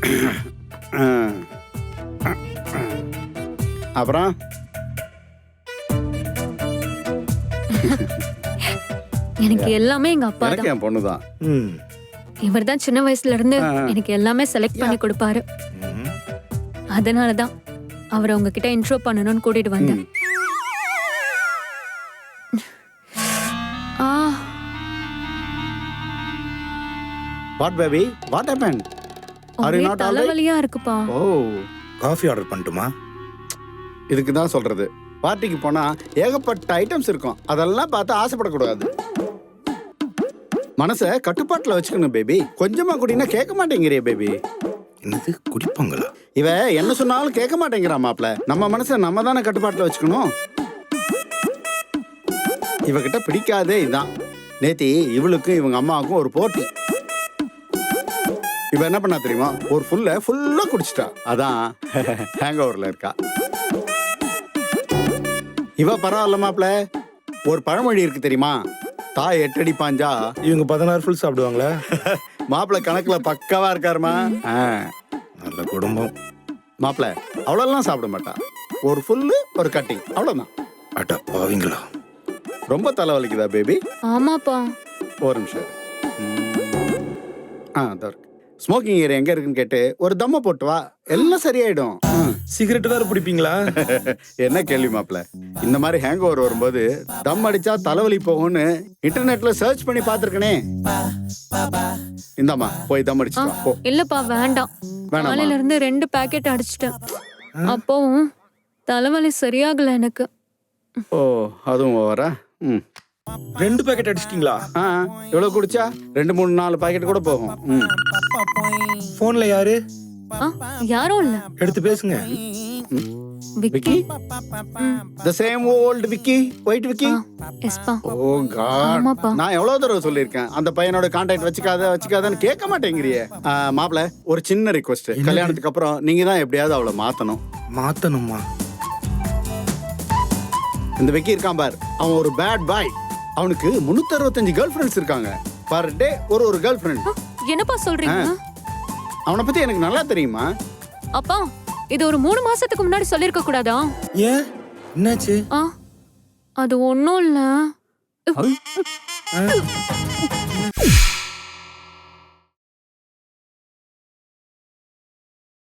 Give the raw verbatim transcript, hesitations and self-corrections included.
அப்புறம் எனக்கு எல்லாமே எங்க அப்பா எனக்கு தான். என் பொண்ணுதான். ம் இவர் தான் சின்ன வயசுல இருந்து எனக்கு எல்லாமே செலக்ட் பண்ணி கொடுப்பாரு. ம். அதனாலதான் அவரை உங்ககிட்ட இன்ட்ரோ பண்ணணும்னு கூட்டிட்டு வந்தேன். ஆ, what baby, what happen? Are you ஒரே not all right? தலைவலியா இருக்குப்பா. ஓ, காஃபி ஆர்டர் பண்ணட்டுமா? இதுக்கு தான் சொல்றது, பார்ட்டிக்கு போனா ஏகப்பட்ட ஐட்டம்ஸ் இருக்கும், அதெல்லாம் பார்த்து ஆசைப்படக்கூடாது. மனசை கட்டுப்பாட்டுல வச்சுக்கணும் பேபி. கொஞ்சமா குடினா கேட்க மாட்டேங்கிறிய பேபி. என்னது குடிப்பாங்களா? இவ என்ன சொன்னாலும் கேட்க மாட்டேங்கிறா மாப்ள. நம்ம மனசை நம்ம தானே கட்டுப்பாட்டுல வச்சுக்கணும். இவகிட்ட பிடிக்காதே இதான். நேத்தி இவளுக்கும் இவங்க அம்மாவுக்கும் ஒரு போட்டி. இவ என்ன பண்ணா தெரியுமா, ஒரு ஃபுல்ல ஃபுல்லா குடிச்சிட்டா. அதான் ஹேங் ஓவர்ல இருக்கா. இவ பரவாயில்ல மாப்ள. ஒரு பழமொழி இருக்கு தெரியுமா, தாய் எட்டடி பாஞ்சா இவங்க பதினாறு ஃபுல் சாப்பிடுவாங்களா? மாப்பிள கணக்குல பக்காவா இருக்காருமா. நல்ல குடும்பம். மாப்பிள அவ்வளோலாம் சாப்பிட மாட்டா. ஒரு ஃபுல்லு ஒரு கட்டிங் அவ்வளோதான். அட்டா பாவீங்களா? ரொம்ப தலைவலிக்குதா பேபி? ஆமாப்பா. ஒரு நிமிஷம் இரு. ம். ஆ அதோ இருக்கு. ஸ்மோக்கிங் ஏரியா எங்க இருக்குன்னு கேட்டு ஒரு தம்ம போட்டு வா, எல்லாம் சரியாயிடும். ம். சிகரெட் வேற பிடிப்பீங்களா? என்ன கேள்வி மாப்பிள. இந்த மாதிரி ஹேங் ஓவர் வரும்போது தம் அடிச்சா தலைவலி போகும்னு இன்டர்நெட்ல சர்ச் பண்ணி பார்த்திருக்கனே. இந்தாம்மா போய் தம் அடிச்சு வா, போ. இல்லப்பா வேண்டாம். வேணாமா? காலையில இருந்து ரெண்டு பாக்கெட் அடிச்சிட்டேன். அப்பவும் தலைவலி சரியாகல எனக்கு. ஓ அதுவும் ஓவரா? ம். ரெண்டு பேக்கெட் அடிச்சிட்டீங்களா? ஆ எவ்வளவு குடிச்சா? ரெண்டு மூணு நாலு பாக்கெட் கூட போகும். ம். போன்ல யாரு? ஆ, யாரும் இல்ல. எடுத்து பேசுங்க. Vicky. Vicky? The same old Vicky, white Vicky. எஸ்பா. Oh god. ஆமாப்பா. நான் எவ்வளவு தடவை சொல்லியிருக்கேன் அந்த பையனோட கான்டாக்ட் வச்சுக்காத வச்சுக்காதன்னு கேட்க மாட்டேங்கிறியே. மாப்பிள ஒரு சின்ன ரிக்வெஸ்ட். கல்யாணத்துக்கு அப்புறம் நீங்க தான் எப்படியாவது அவளை மாத்தணும். மாத்தணுமா? இந்த விக்கி இருக்கான் பார், அவன் ஒரு பேட் பாய். அவனுக்கு முன்னூத்தி அறுபத்தஞ்சு கேர்ள் ஃப்ரெண்ட்ஸ் இருக்காங்க. பர் டே ஒரு ஒரு கேர்ள் ஃப்ரெண்ட். என்னப்பா சொல்றீங்க? அவனை பத்தி எனக்கு நல்லா தெரியுமா. அப்பா இது ஒரு மூணு மாசத்துக்கு முன்னாடி சொல்லிருக்க கூடாதா? ஏன் என்னாச்சு? ஆ, அது ஒண்ணும் இல்ல. ஆ?